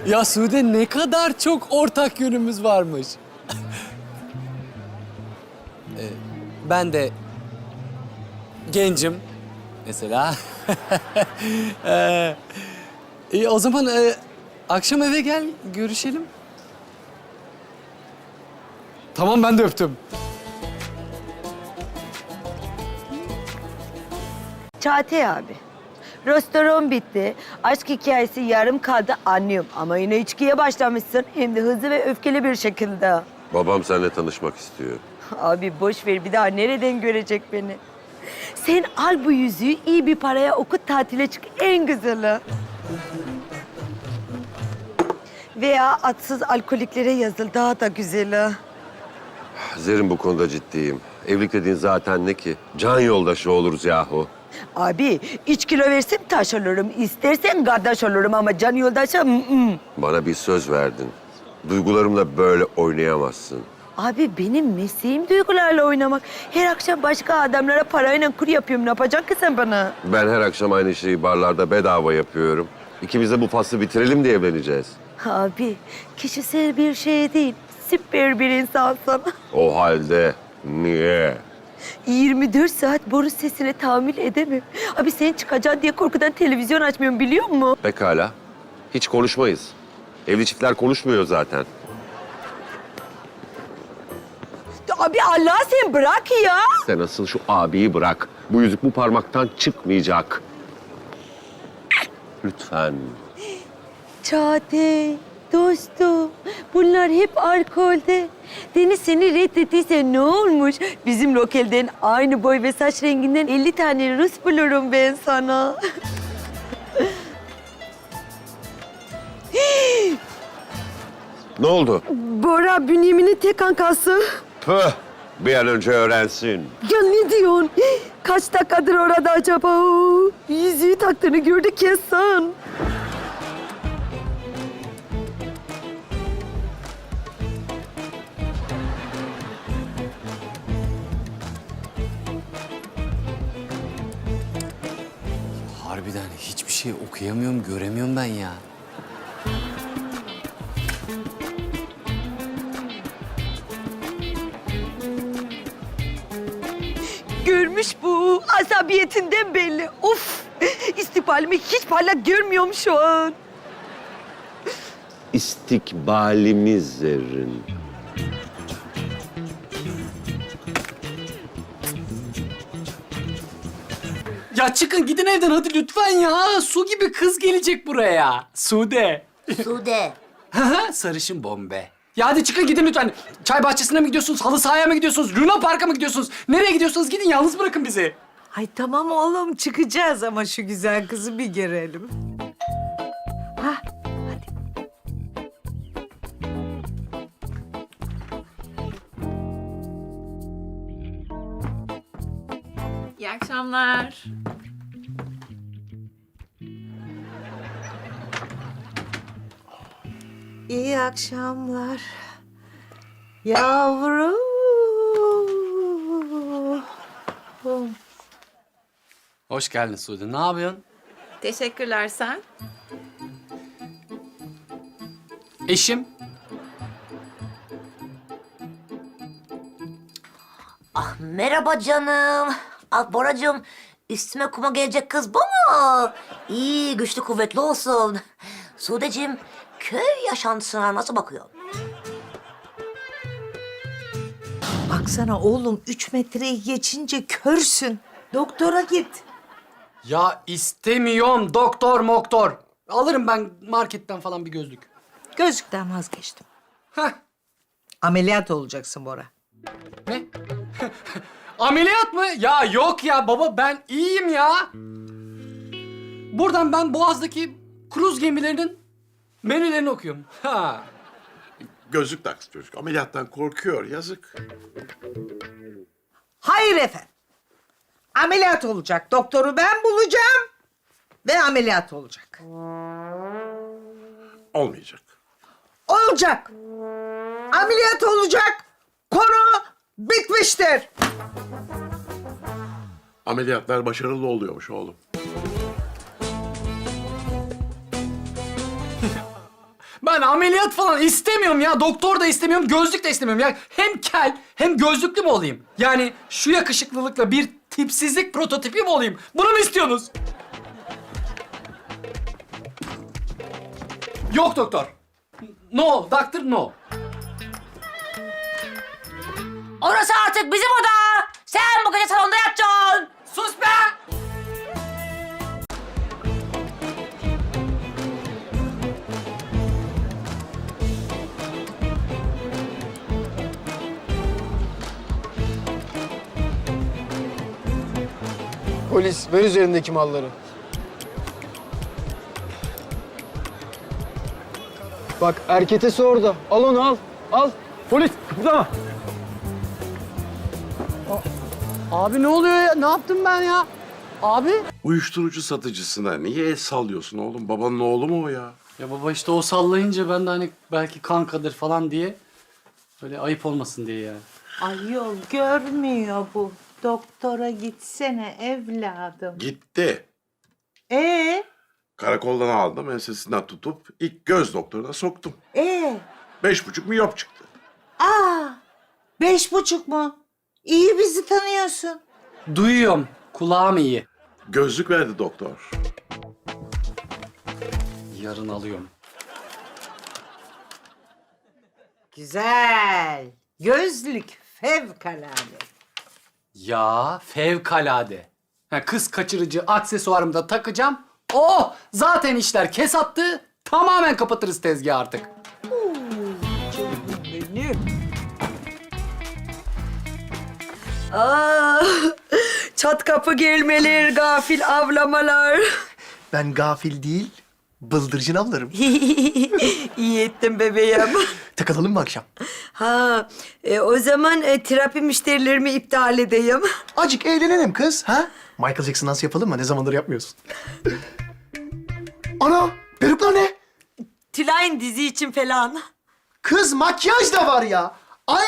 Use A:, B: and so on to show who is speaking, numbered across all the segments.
A: Ya Sude ne kadar çok ortak yönümüz varmış. Ben de gencim mesela. O zaman akşam eve gel görüşelim. Tamam ben de öptüm.
B: Çağatay abi. Restoran bitti. Aşk hikayesi yarım kaldı anlıyorum. Ama yine içkiye başlamışsın. Hem de hızlı ve öfkeli bir şekilde.
C: Babam seninle tanışmak istiyor.
B: Abi boş ver bir daha nereden görecek beni? Sen al bu yüzüğü iyi bir paraya okut tatile çık en güzeli. Veya atsız alkoliklere yazıl daha da güzeli.
C: Zerrin bu konuda ciddiyim. Evlilik dediğin zaten ne ki? Can yoldaşı oluruz yahu.
B: Abi 3 kilo versem taş olurum. İstersen kardeş olurum ama can yoldaşı
C: Bana bir söz verdin. Duygularımla böyle oynayamazsın.
B: Abi benim mesleğim duygularla oynamak. Her akşam başka adamlara parayla kur yapıyorum. Ne yapacaksın ki sen bana?
C: Ben her akşam aynı şeyi barlarda bedava yapıyorum. İkimiz de bu faslı bitirelim diye evleneceğiz.
B: Abi kişisel bir şey değil. Süper bir insansın.
C: O halde niye?
B: 24 saat boru sesine tahammül edemem. Abi sen çıkacaksın diye korkudan televizyon açmıyorum biliyor musun?
C: Pekala. Hiç konuşmayız. Evli çiftler konuşmuyor zaten.
B: Abi Allah sen bırak ya.
C: Sen asıl şu abiyi bırak. Bu yüzük bu parmaktan çıkmayacak. Lütfen.
B: Çağatay, dostum. Bunlar hep alkolde. Deniz seni reddettiyse ne olmuş? Bizim lokalden aynı boy ve saç renginden 50 tane Rus bulurum ben sana.
C: Ne oldu?
B: Bora Bünyamin'in tek kankası.
C: Püh! Bir an önce öğrensin.
B: Ya ne diyorsun? Kaç dakikadır orada acaba o? Yüzüğü taktığını gördük kesin.
A: Harbiden hiçbir şey okuyamıyorum, göremiyorum ben ya.
B: Görmüş bu. Asabiyetinden belli. Of! İstikbalimi hiç parlak görmüyorum şu an.
C: İstikbalimiz Zerrin.
A: Ya çıkın gidin evden hadi lütfen ya. Su gibi kız gelecek buraya. Sude.
D: Sude.
A: Sarışın bombe. Ya hadi çıkın gidin lütfen. Çay bahçesine mi gidiyorsunuz? Halı sahaya mı gidiyorsunuz? Luna Park'a mı gidiyorsunuz? Nereye gidiyorsanız gidin yalnız bırakın bizi.
E: Ay tamam oğlum çıkacağız ama şu güzel kızı bir görelim. Hah, hadi.
F: İyi akşamlar.
E: İyi akşamlar. Yavrum.
A: Hoş geldin Sude. Ne yapıyorsun?
F: Teşekkürler sen.
A: Eşim.
D: Ah merhaba canım. Ah Boracığım, üstüme kuma gelecek kız bu mu? İyi, güçlü kuvvetli olsun. Sudeciğim, köy yaşantısına nasıl bakıyor?
E: Baksana oğlum 3 metreyi geçince körsün. Doktora git.
A: Ya istemiyorum doktor moktor. Alırım ben marketten falan bir gözlük.
E: Gözlükten vazgeçtim.
A: Heh.
E: Ameliyat olacaksın Bora.
A: Ne? Ameliyat mı? Ya yok ya baba ben iyiyim ya. Buradan ben Boğaz'daki kruz gemilerinin menülerini okuyorum. Ha.
G: Gözlük taksın çocuk. Ameliyattan korkuyor. Yazık.
E: Hayır efendim. Ameliyat olacak. Doktoru ben bulacağım ve ameliyat olacak.
G: Olmayacak.
E: Olacak. Ameliyat olacak. Konu bitmiştir.
G: Ameliyatlar başarılı oluyormuş oğlum.
A: Ben ameliyat falan istemiyorum ya. Doktor da istemiyorum, gözlük de istemiyorum. Ya hem kel hem gözlüklü mü olayım? Yani şu yakışıklılıkla bir tipsizlik prototipi mi olayım? Bunu mu istiyorsunuz? Yok doktor. No, doctor no.
D: Orası artık bizim oda. Sen bu gece salonda yatacaksın.
A: Sus be!
H: Polis, ver üzerindeki malları. Bak, erketesi orada. Al onu, al. Al. Polis, kıpırdama.
A: Abi ne oluyor ya? Ne yaptım ben ya? Abi?
G: Uyuşturucu satıcısına niye el sallıyorsun oğlum? Babanın oğlu mu o ya?
A: Ya baba işte o sallayınca ben de hani belki kankadır falan diye böyle ayıp olmasın diye yani.
E: Ayol görmüyor bu. Doktora gitsene evladım.
G: Gitti. Karakoldan aldım, ensesinden tutup ilk göz doktoruna soktum. 5,5 miyop çıktı.
E: 5,5 mu? İyi bizi tanıyorsun.
A: Duyuyorum. Kulağım iyi.
G: Gözlük verdi doktor.
A: Yarın alıyorum.
E: Güzel. Gözlük fevkalade.
A: Ya fevkalade. Ha, kız kaçırıcı aksesuarımı da takacağım. Oh! Zaten işler kesattı. Tamamen kapatırız tezgahı artık.
B: Aa, çat kapı gelmeler, gafil avlamalar.
I: Ben gafil değil, bıldırcın avlarım.
B: İyi ettin bebeğim.
I: Takılalım mı akşam?
B: Ha, o zaman terapi müşterilerimi iptal edeyim.
I: Acık eğlenelim kız, ha? Michael Jackson dans yapalım mı? Ne zamandır yapmıyorsun? Ana, peruklar ne?
B: Tülay'ın dizi için falan.
I: Kız makyaj da var ya. Ay!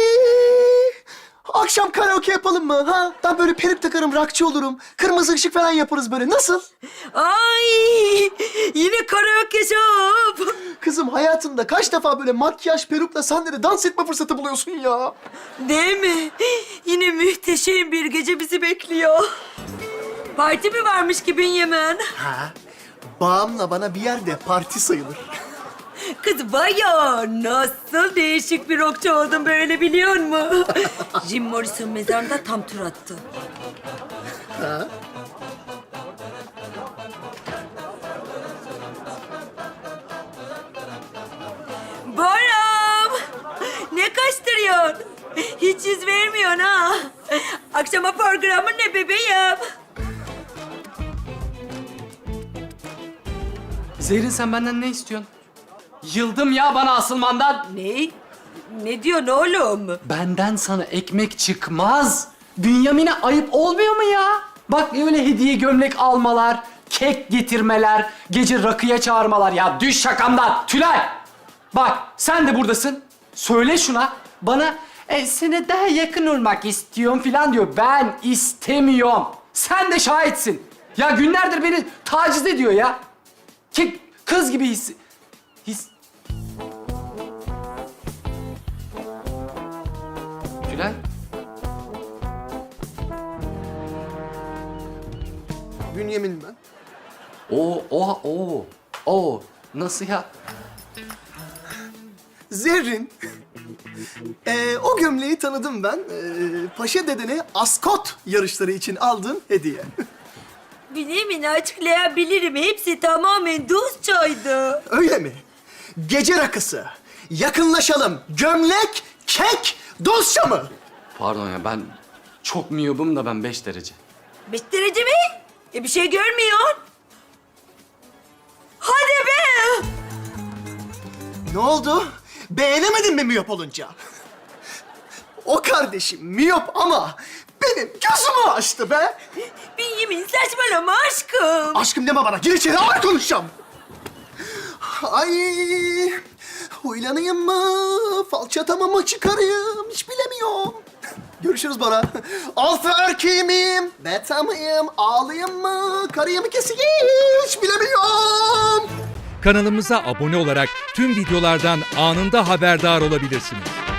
I: Akşam karaoke yapalım mı? Ha? Ben böyle peruk takarım, rockçı olurum. Kırmızı ışık falan yaparız böyle. Nasıl?
B: Ay, yine karaoke shop.
I: Kızım hayatında kaç defa böyle makyaj, perukla sahnede dans etme fırsatı buluyorsun ya?
B: Değil mi? Yine muhteşem bir gece bizi bekliyor. Parti mi varmış ki Bünyamin?
I: Ha? Bağımla bana bir yerde parti sayılır.
B: Kız vay ya, nasıl değişik bir rockçu oldun böyle biliyor musun? Jim Morrison mezarında tam tur attı. Boram! Ne kaçtırıyorsun? Hiç yüz vermiyorsun ha. Akşama programın ne bebeğim?
A: Zehrin sen benden ne istiyorsun? Yıldım ya bana asılmandan.
B: Ne? Ne diyorsun oğlum?
A: Benden sana ekmek çıkmaz. Bünyamin'e ayıp olmuyor mu ya? Bak öyle hediye gömlek almalar, kek getirmeler, gece rakıya çağırmalar. Ya düş şakamdan. Tülay! Bak sen de buradasın. Söyle şuna. Bana sana daha yakın olmak istiyorum falan diyor. Ben istemiyorum. Sen de şahitsin. Ya günlerdir beni taciz ediyor ya. Ki kız gibi his... Tülay?
I: Bünyamin ben.
A: Oo. Nasıl ya?
I: Zerrin. O gömleği tanıdım ben. Paşa dedene askot yarışları için aldığım hediye.
B: Bünyamin'i açıklayabilirim. Hepsi tamamen dostçaydı.
I: Öyle mi? Gece rakısı. Yakınlaşalım. Gömlek, kek, dostça mı?
A: Pardon ya ben çok miyobum da ben 5 derece.
B: 5 derece mi? Bir şey görmüyorsun. Hadi be!
I: Ne oldu? Beğenemedin mi miyop olunca? O kardeşim miyop ama benim gözümü açtı be.
B: Bünyamin saçmalama aşkım.
I: Aşkım deme bana. Gir içeri ağır konuşacağım. Ay, huylanayım mı? Falçatama mı çıkarayım? Hiç bilemiyorum. Görüşürüz Bora. Alfa erkeği miyim? Beta mıyım? Ağlayayım mı? Karıyı mı keseyim? Hiç bilemiyorum.
J: Kanalımıza abone olarak tüm videolardan anında haberdar olabilirsiniz.